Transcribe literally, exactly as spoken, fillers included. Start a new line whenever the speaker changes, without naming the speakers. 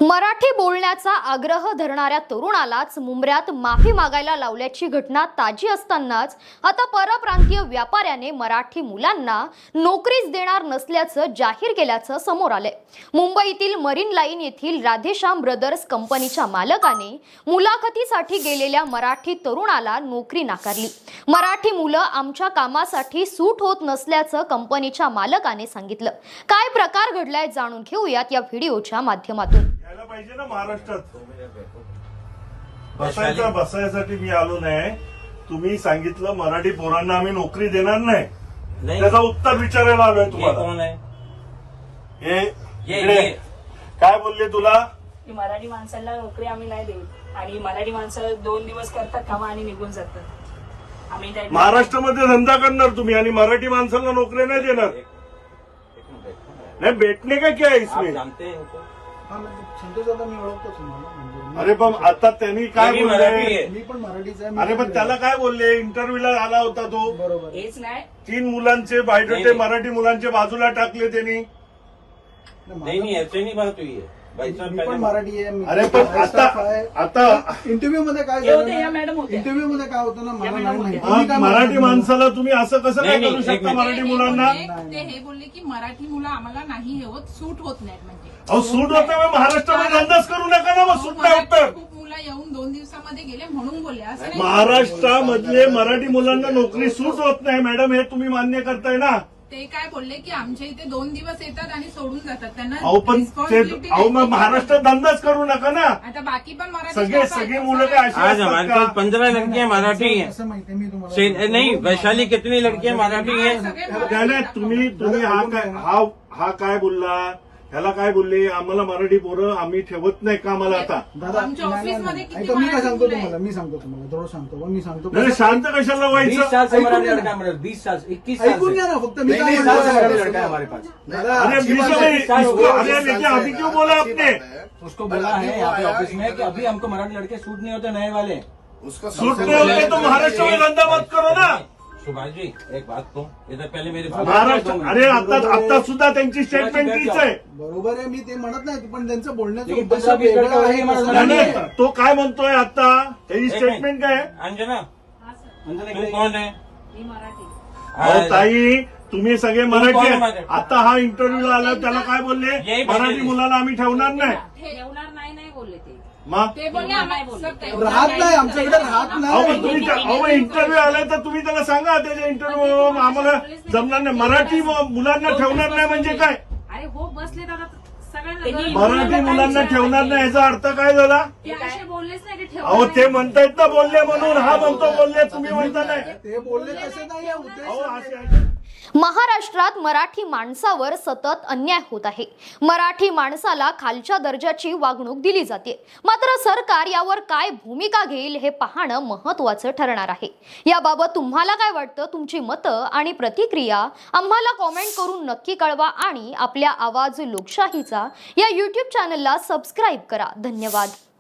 मराठी बोलण्याचा आग्रह धरणाऱ्या तरुणालाच मुंबऱ्यात माफी मागायला लावल्याची घटना ताजी असतानाच आता परप्रांतीय व्यापाऱ्याने मराठी मुलांना नोकरीच देणार नसल्याचं जाहीर केल्याचं समोर आलंय। मुंबईतील मरीन लाईन येथील राधेश्याम ब्रदर्स कंपनीच्या मालकाने मुलाखतीसाठी गेलेल्या मराठी तरुणाला नोकरी नाकारली। मराठी मुलं आमच्या कामासाठी सूट होत नसल्याचं कंपनीच्या मालकाने सांगितलं। काय प्रकार घडलाय जाणून घेऊयात या व्हिडिओच्या माध्यमातून।
यायला पाहिजे ना महाराष्ट्रात बसायचा बसायसाठी मी आलो नाही। तुम्ही सांगितलं मराठी पोरांना आम्ही नोकरी देणार नाही, त्याचा उत्तर विचारायला आलोय तुम्हाला।
कोण आहे
हे
ये,
इकडे
ये.
काय बोलले तुला?
की मराठी माणसाला नोकरी आम्ही नाही देऊ आणि मराठी माणसं दोन दिवस करतात कामं आणि निघून जातात। आम्ही त्या-
महाराष्ट्रामध्ये धंदा करणार तुम्ही आणि मराठी माणसाला नोकरी नाही देणार? नाही भेटणे का क्या
आप
इसमें?
जानते हैं उनको?
संतोष दादा मी ओळखतो तुम्हाला म्हणजे
अरे पण आता त्यांनी काय
मी मराठी
बोलले?
आहे.
मी पण मराठीचा आहे, मी
अरे पण त्याला काय बोलले? इंटरव्ह्यूला आला होता तो,
बरोबर
हेच नाही
तीन मुलांचे बायोडेटे
नाही.
मराठी मुलांचे बाजूला टाकले त्यांनी।
नहीं नहीं ऐसे नहीं बात हुई है भाई साहब।
मी पण
पहले
मराठी आहे, मी
अरे पण
माझा staff
आता
आहे.
आता
इंटरव्ह्यू मध्ये काय
हे होते, या मॅडम होत्या.
इंटरव्ह्यू मध्ये काय होतं ना मला
या
नाही
मॅडम
माहिती
होत्या.
तुम्ही काय
मराठी
म्हणता?
माणसाला तुम्ही असं कसं काय
नाही,
करू
नाही, एक
शकता?
मिनिट.
मराठी
ते- ते
मुलांना
बोलले- ते हे बोलले की मराठी मुलं आम्हाला नाही हे होत, सूट होत नाहीत म्हणजे
अहो सूट होत नाही, महाराष्ट्रामध्ये धंदाच करू नका ना, मग सूट नाही होत तर।
खूप मुलं येऊन दोन दिवसामध्ये गेले म्हणून बोलले असं नाही.
महाराष्ट्रामधले मराठी मुलांना नोकरी सूट होत नाही मॅडम, हे तुम्ही मान्य करताय ना?
ते काय बोलले की आमच्या इथे दोन दिवस येतात आणि सोडून जातात, त्यांना
अहो पण ते
responsibility
अहो मग
नाही.
महाराष्ट्रात धंदाच करू नका ना।
आता बाकी पण मराठी
सगळे
लोकं आहेत,
सगळे
असं
मुलं काय
नाही.
अशी
आज
असतात
हमारे
का?
पास पंद्रह लड़कियां मराठी हैं।
असं माहिती मी तुम्हाला
से- नहीं वैशाली कितनी लड़कियां मराठी हैं?
सगळे
नाही
मराठी
नाही, तुम्ही तुम्ही हा काय हा हा काय बोलला? ह्याला काय बोलले? आम्हाला मराठी पोरं आम्ही ठेवत नाही कामाला आता।
दादा
आमच्या
नाही, नाही,
ऑफिसमध्ये
नाही.
किती
ऐका, मी काय
मराठी
सांगतो
मुलं
तुम्हाला
आहेत?
मी सांगतो तुम्हाला थोडं सांगतो बा, मी सांगतो
नाही नाही, शांत कशाला
बीस
व्हायचं?
साल से
ऐकून
मराठी
घ्या.
लड़का हमारे बीस साल से इक्कीस साल
ऐकून घ्या
से
ना फक्त मी
नहीं,
काय
नहीं, साल से
म्हणतो
मराठी लड़का है हमारे पास।
दादा
अरे
अच्छी
बीच
बात
में
है।
इसको अरे लेकिन अभी क्यों बोला आपने?
उसको बोला है यहाँ पे ऑफिस में कि अभी हमको मराठी लड़के सूट नहीं होते नए वाले।
उसका
सूट नहीं होते तो महाराष्ट्र में धंधा मत करो ना।
सुभाष जी एक बात तो इधर पहले मेरे
महाराष्ट्र अरे आता आता सुद्धा त्यांची स्टेटमेंट तीच आहे।
बरोबर आहे, मी ते म्हणत नाही पण त्यांचं बोलण्याचं
लेकिन
उद्देश
पंधरा वीस
वेगळा
लड़का
आहे,
वही हमारा
तसं
नाही,
नाही.
नाही, तो काय म्हणतोय आता? त्याची
एक
स्टेटमेंट
मिनिट.
काय आहे?
अंजना
हा सर,
अंजना तू कौन है?
मी मराठी
अहो ताई तुम्ही सगळे मराठी
कोण
आहेत।
मराठी?
आता हा इंटरव्ह्यू आला त्याला काय बोलले?
यही
मराठी
बोलले.
मुलाला आम्ही ठेवणार नाही।
ठेवणार नाही नाही बोलले ते
मग
ते बोलले आम्हाला सर, ते-
राहत नाही आमच्याकडे राहत
अहो
नाही
पण तुम्ही त्या- अहो इंटरव्ह्यू आलाय तर तुम्ही त्याला सांगा त्याच्या इंटरव्ह्यू आम्हाला जमणार नाही, मराठी म- मुलांना ठेवणार नाही म्हणजे काय?
अरे हो बसले दादा
त्यांनी
सगळ्यांना
मराठी मुलांना ठेवणार नाही याचा अर्थ काय झाला?
ते असे बोललेच नाही की
अहो
ठेवा
ते म्हणतायत ना बोलले म्हणून, हा म्हणतो बोलले, तुम्ही म्हणता नाही।
ते बोलले तसे नाही आहे, उद्देश
अहो
आहे.
असे आहे.
महाराष्ट्रात मराठी माणसावर सतत अन्याय होत आहे। मराठी माणसाला खालच्या दर्जाची वागणूक दिली जाते, मात्र सरकार यावर काय भूमिका घेईल हे पाहणं महत्त्वाचं ठरणार आहे। याबाबत तुम्हाला काय वाटतं? तुमची मतं आणि प्रतिक्रिया आम्हाला कॉमेंट करून नक्की कळवा आणि आपल्या आवाज लोकशाहीचा या यूट्यूब चॅनलला सबस्क्राईब करा। धन्यवाद।